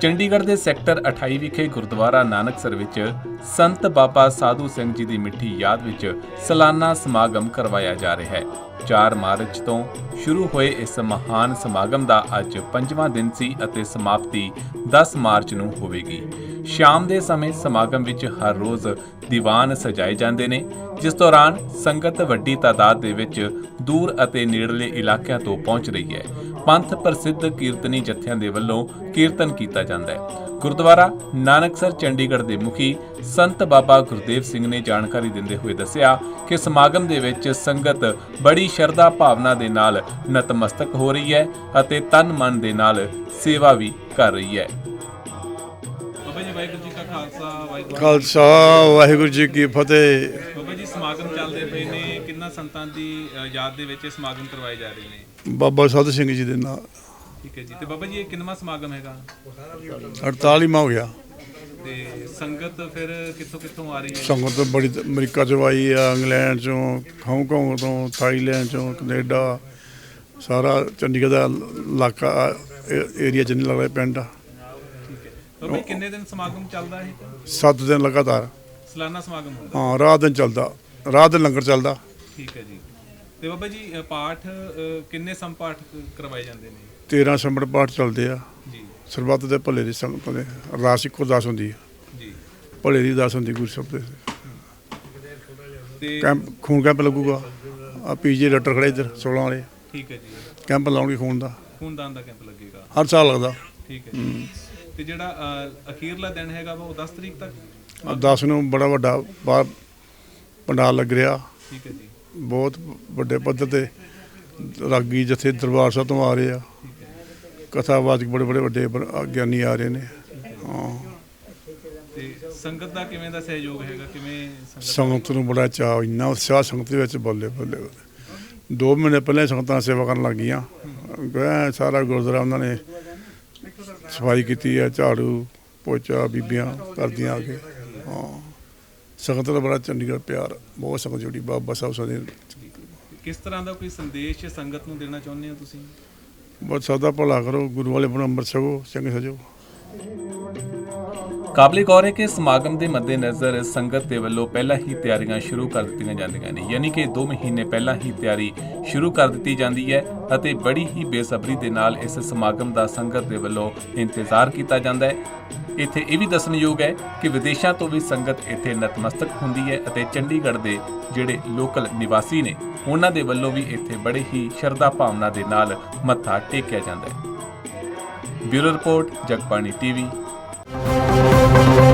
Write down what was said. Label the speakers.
Speaker 1: ਚੰਡੀਗੜ੍ਹ ਦੇ ਸੈਕਟਰ 28 ਵਿਖੇ ਗੁਰਦੁਆਰਾ ਨਾਨਕਸਰ ਵਿੱਚ ਸੰਤ ਬਾਬਾ ਸਾਧੂ ਸਿੰਘ ਜੀ ਦੀ ਮਿੱਠੀ ਯਾਦ ਵਿੱਚ ਸਾਲਾਨਾ ਸਮਾਗਮ ਕਰਵਾਇਆ ਜਾ ਰਿਹਾ ਹੈ। 4 ਮਾਰਚ ਤੋਂ ਸ਼ੁਰੂ ਹੋਏ ਇਸ ਮਹਾਨ ਸਮਾਗਮ ਦਾ ਅੱਜ 5ਵਾਂ ਦਿਨ ਸੀ ਅਤੇ ਸਮਾਪਤੀ 10 ਮਾਰਚ ਨੂੰ ਹੋਵੇਗੀ। ਸ਼ਾਮ ਦੇ ਸਮੇਂ ਸਮਾਗਮ ਵਿੱਚ ਹਰ ਰੋਜ਼ ਦੀਵਾਨ ਸਜਾਏ ਜਾਂਦੇ ਨੇ, ਜਿਸ ਦੌਰਾਨ ਸੰਗਤ ਵੱਡੀ ਤਾਦਾਦ ਦੇ ਵਿੱਚ ਦੂਰ ਅਤੇ ਨੇੜਲੇ ਇਲਾਕਿਆਂ ਤੋਂ ਪਹੁੰਚ ਰਹੀ ਹੈ। ਪੰਥ ਪ੍ਰਸਿੱਧ ਕੀਰਤਨੀ ਜਥਿਆਂ ਦੇ ਵੱਲੋਂ ਕੀਰਤਨ ਕੀਤਾ ਜਾਂਦਾ ਹੈ। ਗੁਰਦੁਆਰਾ ਨਾਨਕਸਰ ਚੰਡੀਗੜ੍ਹ ਦੇ ਮੁਖੀ ਸੰਤ ਬਾਬਾ ਗੁਰਦੇਵ ਸਿੰਘ ਨੇ ਜਾਣਕਾਰੀ ਦਿੰਦੇ ਹੋਏ ਦੱਸਿਆ ਕਿ ਸਮਾਗਮ ਦੇ ਵਿੱਚ ਸੰਗਤ ਬੜੀ ਸ਼ਰਧਾ ਭਾਵਨਾ ਦੇ ਨਾਲ ਨਤਮਸਤਕ ਹੋ ਰਹੀ ਹੈ ਅਤੇ ਤਨ ਮਨ ਦੇ ਨਾਲ ਸੇਵਾ ਵੀ ਕਰ ਰਹੀ ਹੈ। ਬਾਬਾ ਜੀ ਵਾਹਿਗੁਰੂ ਜੀ ਕਾ ਖਾਲਸਾ
Speaker 2: ਵਾਹਿਗੁਰੂ ਜੀ ਕੀ ਫਤਿਹ।
Speaker 1: ਬਾਬਾ ਜੀ ਸਮਾਗਮ ਚੱਲਦੇ ਪਏ ਨੇ, ਕਿੰਨਾ ਸੰਤਾਂ ਦੀ ਯਾਦ ਦੇ ਵਿੱਚ ਸਮਾਗਮ ਕਰਵਾਏ ਜਾ ਰਹੇ ਨੇ?
Speaker 2: ਬਾਬਾ ਸਾਧੂ ਸਿੰਘ ਜੀ ਦੇ ਨਾਲ।
Speaker 1: ਠੀਕ ਹੈ ਜੀ। ਤੇ ਬਾਬਾ ਜੀ ਇਹ ਕਿੰਨਵਾਂ ਸਮਾਗਮ ਹੈਗਾ?
Speaker 2: 48ਵਾਂ ਹੋ ਗਿਆ।
Speaker 1: ਤੇ ਸੰਗਤ ਫਿਰ ਕਿੱਥੋਂ ਕਿੱਥੋਂ ਆ ਰਹੀ ਹੈ?
Speaker 2: ਸੰਗਤ ਬੜੀ ਅਮਰੀਕਾ ਚੋਂ ਆਈ ਆ, ਇੰਗਲੈਂਡ ਚੋਂ, ਹਾਂਗਕਾਂਗ ਤੋਂ, ਥਾਈਲੈਂਡ ਚੋਂ, ਕੈਨੇਡਾ, ਸਾਰਾ ਚੰਡੀਗੜ੍ਹ ਦਾ ਇਲਾਕਾ ਏਰੀਆ ਚ ਨਹੀਂ ਲੱਗਦਾ ਪਿੰਡ।
Speaker 1: ਠੀਕ ਹੈ ਬਾਬਾ ਜੀ, ਕਿੰਨੇ ਦਿਨ ਸਮਾਗਮ ਚੱਲਦਾ ਹੈ?
Speaker 2: 7 ਦਿਨ ਲਗਾਤਾਰ
Speaker 1: ਸਾਲਾਨਾ ਸਮਾਗਮ ਹੁੰਦਾ?
Speaker 2: ਹਾਂ, ਰਾਤ ਦਿਨ ਚੱਲਦਾ, ਰਾਤ ਦਿਨ ਲੰਗਰ ਚੱਲਦਾ।
Speaker 1: ਠੀਕ ਹੈ ਜੀ। ਤੇ ਬਾਬਾ ਜੀ ਪਾਠ ਕਿੰਨੇ ਸੰਪਾਠ ਕਰਵਾਏ ਜਾਂਦੇ ਨੇ?
Speaker 2: 13 ਸੰਮੜ ਪਾਠ ਚੱਲਦੇ ਆ
Speaker 1: ਜੀ।
Speaker 2: ਸਰਬੱਤ ਦੇ ਭਲੇ ਦੀ ਸੰਗਤ ਦੇ ਅਰਦਾਸ ਇੱਕੋ ਅਰਦਾਸ ਹੁੰਦੀ ਹੈ
Speaker 1: ਜੀ।
Speaker 2: ਭਲੇ ਦੀ ਅਰਦਾਸ ਹੁੰਦੀ ਗੁਰੂ ਸਾਹਿਬ ਦੇ।
Speaker 1: ਤੇ
Speaker 2: ਕੈਂਪ ਖੂਨ ਕੈਂਪ ਲੱਗੂਗਾ। ਆ ਪੀਜੀ ਡਾਕਟਰ ਖੜੇ ਇੱਧਰ 16 ਵਾਲੇ
Speaker 1: ਠੀਕ ਹੈ ਜੀ।
Speaker 2: ਕੈਂਪ ਲਾਉਣਗੇ ਖੂਨ ਦਾ।
Speaker 1: ਖੂਨਦਾਨ ਦਾ ਕੈਂਪ ਲੱਗੇਗਾ
Speaker 2: ਹਰ ਸਾਲ ਲੱਗਦਾ।
Speaker 1: ਠੀਕ ਹੈ ਜੀ। ਤੇ ਜਿਹੜਾ ਅਖੀਰਲਾ ਦਿਨ ਹੈਗਾ ਵਾ ਉਹ 10 ਤਰੀਕ ਤੱਕ?
Speaker 2: 10 ਨੂੰ ਬੜਾ ਵੱਡਾ ਬਾਹਰ ਪੰਡਾਲ ਲੱਗ ਰਿਹਾ।
Speaker 1: ਠੀਕ ਹੈ ਜੀ।
Speaker 2: ਬਹੁਤ ਵੱਡੇ ਪੱਧਰ ਤੇ ਰਾਗੀ ਜਥੇ ਦਰਬਾਰ ਸਾਹਿਬ ਤੋਂ ਆ ਰਹੇ ਆ। ਕਥਾਵਾਚਕ ਬੜੇ ਵੱਡੇ ਗਿਆਨੀ ਆ ਰਹੇ ਨੇ। ਹਾਂ।
Speaker 1: ਤੇ ਸੰਗਤ ਦਾ ਕਿਵੇਂ ਦਾ ਸਹਿਯੋਗ ਹੈਗਾ? ਕਿਵੇਂ
Speaker 2: ਸੰਗਤ ਨੂੰ ਬੜਾ ਚਾਅ, ਇੰਨਾ ਉਤਸ਼ਾਹ ਸੰਗਤ ਦੇ ਵਿੱਚ। ਬੱਲੇ ਬੱਲੇ 2 ਮਹੀਨੇ ਪਹਿਲਾਂ ਸੰਗਤਾਂ ਸੇਵਾ ਕਰਨ ਲੱਗ ਗਈਆਂ। ਸਾਰਾ ਗੁਰਦੁਆਰਾ ਉਹਨਾਂ ਨੇ ਸਫਾਈ ਕੀਤੀ ਹੈ, ਝਾੜੂ ਪੋਚਾ ਬੀਬੀਆਂ ਕਰਦੀਆਂ ਆ ਕੇ। ਹਾਂ, ਸੰਗਤ ਦਾ ਬੜਾ ਚੰਡੀਗੜ੍ਹ ਪਿਆਰ, ਬਹੁਤ ਸੰਗਤ ਜੁੜੀ ਬਾਬਾ ਸਾਹਿਬ ਸਾਡੇ।
Speaker 1: ਕਿਸ ਤਰ੍ਹਾਂ ਦਾ ਕੋਈ ਸੰਦੇਸ਼ ਸੰਗਤ ਨੂੰ ਦੇਣਾ ਚਾਹੁੰਦੇ ਹੋ ਤੁਸੀਂ?
Speaker 2: ਬਹੁਤ ਸਦਾ ਭਲਾ ਕਰੋ, ਗੁਰੂ ਵਾਲੇ ਬਣ, ਅੰਮ੍ਰਿਤ ਛਕੋ, ਚੰਗੇ ਸਜੋ।
Speaker 1: ਕਾਬਲੇ ਗੌਰ ਹੈ ਕਿ ਸਮਾਗਮ ਦੇ ਮੱਦੇਨਜ਼ਰ ਸੰਗਤ ਦੇ ਵੱਲੋਂ ਪਹਿਲਾਂ ਹੀ ਤਿਆਰੀਆਂ ਸ਼ੁਰੂ ਕਰ ਦਿੱਤੀਆਂ ਜਾਂਦੀਆਂ ਨੇ, ਯਾਨੀ ਕਿ 2 ਮਹੀਨੇ ਪਹਿਲਾਂ ਹੀ ਤਿਆਰੀ ਸ਼ੁਰੂ ਕਰ ਦਿੱਤੀ ਜਾਂਦੀ ਹੈ ਅਤੇ ਬੜੀ ਹੀ ਬੇਸਬਰੀ ਦੇ ਨਾਲ ਇਸ ਸਮਾਗਮ ਦਾ ਸੰਗਤ ਦੇ ਵੱਲੋਂ ਇੰਤਜ਼ਾਰ ਕੀਤਾ ਜਾਂਦਾ ਹੈ। ਇੱਥੇ ਇਹ ਵੀ ਦੱਸਣਯੋਗ ਹੈ ਕਿ ਵਿਦੇਸ਼ਾਂ ਤੋਂ ਵੀ ਸੰਗਤ ਇੱਥੇ ਨਤਮਸਤਕ ਹੁੰਦੀ ਹੈ ਅਤੇ ਚੰਡੀਗੜ੍ਹ ਦੇ ਜਿਹੜੇ ਲੋਕਲ ਨਿਵਾਸੀ ਨੇ ਉਹਨਾਂ ਦੇ ਵੱਲੋਂ ਵੀ ਇੱਥੇ ਬੜੇ ਹੀ ਸ਼ਰਧਾ ਭਾਵਨਾ ਦੇ ਨਾਲ ਮੱਥਾ ਟੇਕਿਆ ਜਾਂਦਾ ਹੈ। Bureau report, Jagbani TV.